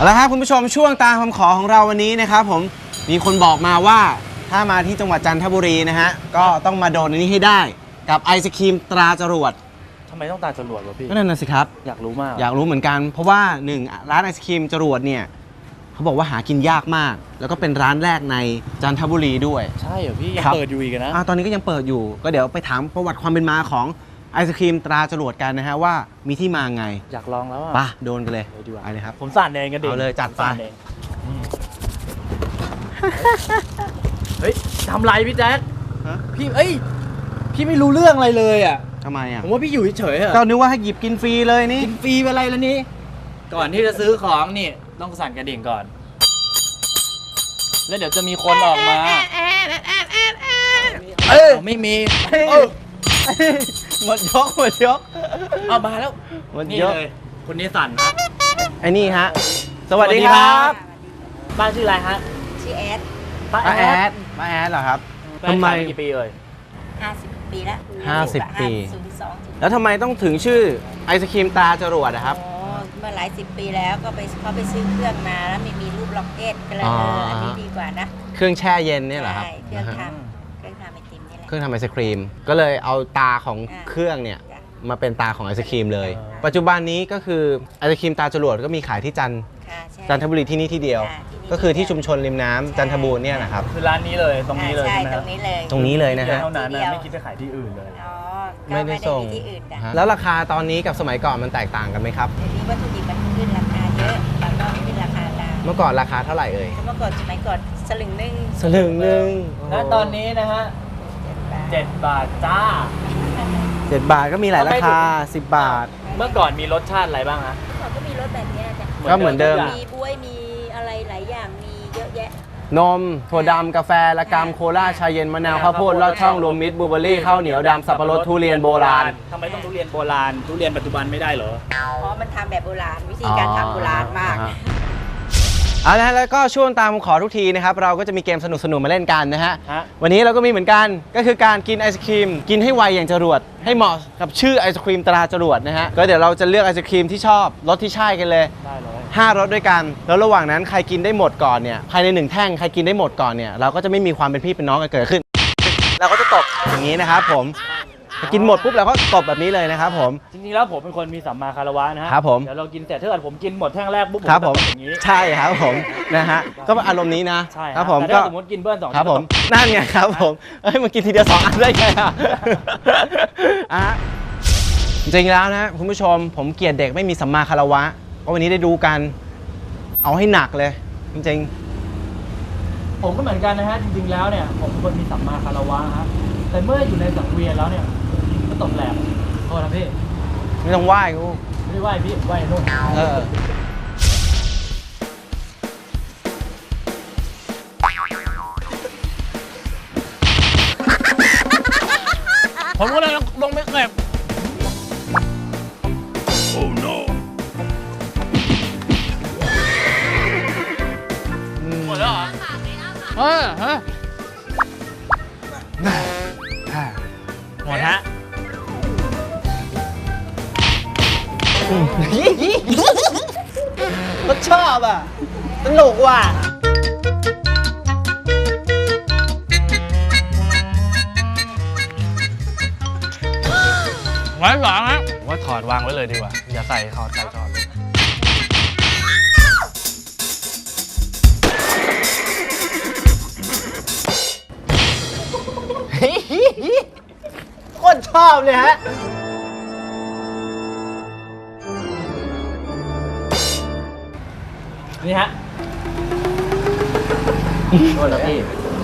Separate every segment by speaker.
Speaker 1: เอาละครับคุณผู้ชมช่วงตามคำขอของเราวันนี้นะครับผมมีคนบอกมาว่าถ้ามาที่จังหวัดจันทบุรีนะฮะก็ต้องมาโดนอันนี้ให้ได้กับไอศครีมตราจรวด
Speaker 2: ทำไมต้องตาจรวดวะพี่
Speaker 1: ก็นั่นน่ะสิครับ
Speaker 2: อยากรู้มาก
Speaker 1: อยากรู้เหมือนกันเพราะว่า1ร้านไอศครีมจรวดเนี่ยเขาบอกว่าหากินยากมากแล้วก็เป็นร้านแรกในจันทบุรีด้วย
Speaker 2: ใช่เหรอพี่ยังเปิดอยู่อีกนะ
Speaker 1: ตอนนี้ก็ยังเปิดอยู่ก็เดี๋ยวไปถามประวัติความเป็นมาของไอศครีมตราจรวดกันนะฮะว่ามีที่มาไง
Speaker 2: อยากลองแล้วอ่ะ
Speaker 1: ป่ะโดนกันเลย
Speaker 2: ดีกว่า
Speaker 1: ไปเลยครับ
Speaker 2: ผมสั่นเองกันดิ
Speaker 1: เอาเลยจัดไป
Speaker 2: เฮ้ยทำไรพี่แจ๊คพี่พี่ไม่รู้เรื่องอะไรเลยอ่ะ
Speaker 1: ทำไมอ่ะ
Speaker 2: ผมว่าพี่อยู่เฉยๆอะ
Speaker 1: ก็นึกว่าให้หยิบกินฟรีเลยนี่
Speaker 2: กินฟรีอะไรแล้วนี่ก่อนที่จะซื้อของนี่ต้องสั่นกระดิ่งก่อนแล้วเดี๋ยวจะมีคนออกมาไม่มี
Speaker 1: หมดยก
Speaker 2: เอามาแล้ว
Speaker 1: หมด
Speaker 2: นี่
Speaker 1: ยก
Speaker 2: เลยคนนี้สั่นครับ
Speaker 1: ไอ้นี่ฮะสวัสดีครับ
Speaker 2: บ้านชื่ออะไรฮะ
Speaker 3: ชื่อแอด
Speaker 1: ป้าแอดเหรอครับทำไม
Speaker 2: กี่ปีเลย
Speaker 3: 50 ปีแล้ว
Speaker 1: 50 ปี
Speaker 3: 02
Speaker 1: แล้วทำไมต้องถึงชื่อไอศครีมตาจรวดนะครับ
Speaker 3: เมื่อหลาย10 ปีแล้วก็เขาไปซื้อเครื่องมาแล้วมีรูปล็อกเก็ตก็เลยอันนี้ดีกว่านะ
Speaker 1: เครื่องแช่เย็นเนี่ยเหรอครับ
Speaker 3: เครื่องทำไอติมนี่แหละ
Speaker 1: เครื่องทำไอศครีมก็เลยเอาตาของเครื่องเนี่ยมาเป็นตาของไอศครีมเลยปัจจุบันนี้ก็คือไอศครีมตาจรวดก็มีขายที่จันทบุรีที่นี่ที่เดียวก็คือที่ชุมชนริมน้ำจันทบูรณ์เนี่ยนะครับ
Speaker 2: คือร้านนี้เลยตรงนี้เลยใช่ไหม
Speaker 3: ตรงนี้เลย
Speaker 1: นะฮะ
Speaker 2: เท่านั้นไม่คิดจะขายที่อื่นเลย
Speaker 1: ไม่ได้ส่งแล้วราคาตอนนี้กับสมัยก่อนมันแตกต่างกันไหมครับ
Speaker 3: เดี๋ยวนี้วัตถุดิบมันขึ้นราคาเยอะแล้วก็ขึ้นราคาตาม
Speaker 1: เมื่อก่อนราคาเท่าไหร่เอ่ย
Speaker 3: เมื่อก่อนสมัยก่อนสลึงหนึ่ง
Speaker 2: แล้วตอนนี้นะฮะ7 บาทจ้า
Speaker 1: 7 บาทก็มีหลายราคา10 บาท
Speaker 2: เมื่อก่อนมีรสชาติอะไรบ้างฮะ
Speaker 3: ก็มีรสแบบนี้จ้ะ
Speaker 1: ก็เหมือนเดิม
Speaker 3: มีบ๊วยมีอะไรหลายอย่างมีเยอะแยะ
Speaker 1: นมถั่วดำกาแฟละกำโคลาชาเย็นมะนาวข้าวโพดลอดช่องรวมมิตรบลูเบอร์รี่ข้าวเหนียวดำสับปะรดทุเรียนโบราณ
Speaker 2: ทำไมต้องทุเรียนโบราณทุเรียนปัจจุบันไม่ได้เหรอ
Speaker 3: เพราะมันทำแบบโบราณวิธีการทำโบราณมาก
Speaker 1: เอาละแล้วก็ช่วงตามขอทุกทีนะครับเราก็จะมีเกมสนุกๆมาเล่นกันนะฮะวันนี้เราก็มีเหมือนกันก็คือการกินไอศครีมกินให้ไวอย่างจรวดให้เหมาะกับชื่อไอศครีมตราจรวดนะฮะก็เดี๋ยวเราจะเลือกไอศครีมที่ชอบรสที่ใช่กันเลย5 รสด้วยกันแล้วระหว่างนั้นใครกินได้หมดก่อนเนี่ยภายใน1 แท่งใครกินได้หมดก่อนเนี่ยเราก็จะไม่มีความเป็นพี่เป็นน้องกันเกิดขึ้นเราก็จะตบอย่างนี้นะครับผมกินหมดปุ๊บเราก็ตบแบบนี้เลยนะครับผม
Speaker 2: จริงๆแล้วผมเป็นคนมีสัมมาคารวะนะฮะ
Speaker 1: ครับผม
Speaker 2: เดี๋ยวเรากินเสร็จถ้าเกิดผมกินหมดแท่งแรกปุ๊บผม
Speaker 1: จะ
Speaker 2: อย่างนี้
Speaker 1: ใช่ครับผมนะฮะก็อารมณ์นี้นะ
Speaker 2: ใช่
Speaker 1: ครับผม
Speaker 2: ก็สมมติกินเบิ้ล2
Speaker 1: ครับผมนั่นไงครับผมมันกินทีเดียว2 อันได้ไงจริงๆแล้วนะคุณผู้ชมผมเกลียดเด็กไม่มีสัมมาคารวะเพราะวันนี้ได้ดูกันเอาให้หนักเลยจริง
Speaker 2: ๆผมก็เหมือนกันนะฮะจริงๆแล้วเนี่ยผมเป็นคนมีสัมมาคารวะฮะแต่เมื่ออยู่ในสังเวียนแล้วเนี่ยก็ตกแหลกโทษนะพี่
Speaker 1: ไม่ต้องไหว้กู
Speaker 2: ไม่ได้ไหว้พี่ไหว้นู่นผมก็เลยลงไปเก็บโอ้ no หมดแล้วเหรอฮะหมดฮะ
Speaker 1: ก็ชอบอ่ะสนุกว่ะ
Speaker 2: ไว้หลังฮะว่าถอดวางไว้เลยดีกว่าอย่าใส่ถอด
Speaker 1: โคตรชอบเลยฮะ
Speaker 2: นี่ฮะโทษนะพี่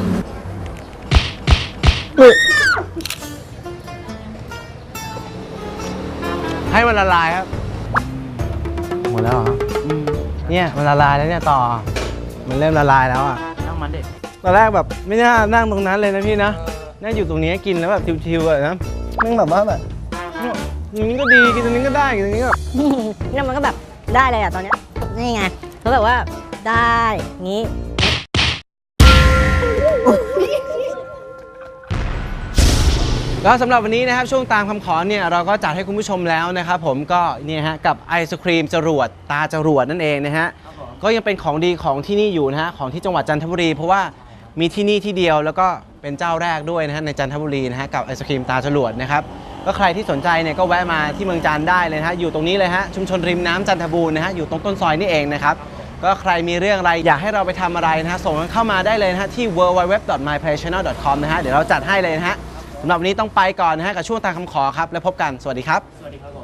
Speaker 1: ให้มันละลายครับหมดแล้วเหรอเนี่ยมันละลายแล้วเนี่ยต่อมันเริ่มละลายแล้วอ่ะ
Speaker 2: นั่งมันเด็ก
Speaker 1: ตอนแรกแบบไม่น่านั่งตรงนั้นเลยนะพี่นะนั่งอยู่ตรงนี้กินแล้วแบบชิวๆอะนะนั่งแบบว่าแบบอย่างนี้ก็ดีกินตรงนี้ก็ได้กินตรงนี้ก็
Speaker 3: เนี่ยมันก็แบบได้เลยอ่ะตอนนี้นี่ไงเขาแบบว่าได้งี้
Speaker 1: ก็สำหรับวันนี้นะครับช่วงตามคำขอเนี่ยเราก็จัดให้คุณผู้ชมแล้วนะครับผมก็เนี่ยฮะกับไอศครีมจรวดตาจรวดนั่นเองนะฮะก็ยังเป็นของดีของที่นี่อยู่นะฮะของที่จังหวัดจันทบุรีเพราะว่ามีที่นี่ที่เดียวแล้วก็เป็นเจ้าแรกด้วยนะฮะในจันทบุรีนะฮะกับไอศครีมตาจรวดนะครับก็ใครที่สนใจเนี่ยก็แวะมาที่เมืองจันทร์ได้เลยนะฮะอยู่ตรงนี้เลยฮะชุมชนริมน้ำจันทบูรณ์นะฮะอยู่ตรงต้นซอยนี่เองนะครับก็ใครมีเรื่องอะไรอยากให้เราไปทำอะไรนะฮะส่งกันเข้ามาได้เลยนะฮะที่ www.myplaychannel.com นะฮะเดี๋ยวเราจัดให้เลยนะฮะสำหรับวันนี้ต้องไปก่อนนะฮะกับช่วงตามคำขอครับแล้วพบกันสวัสดีครับ
Speaker 2: สวัสดีครับ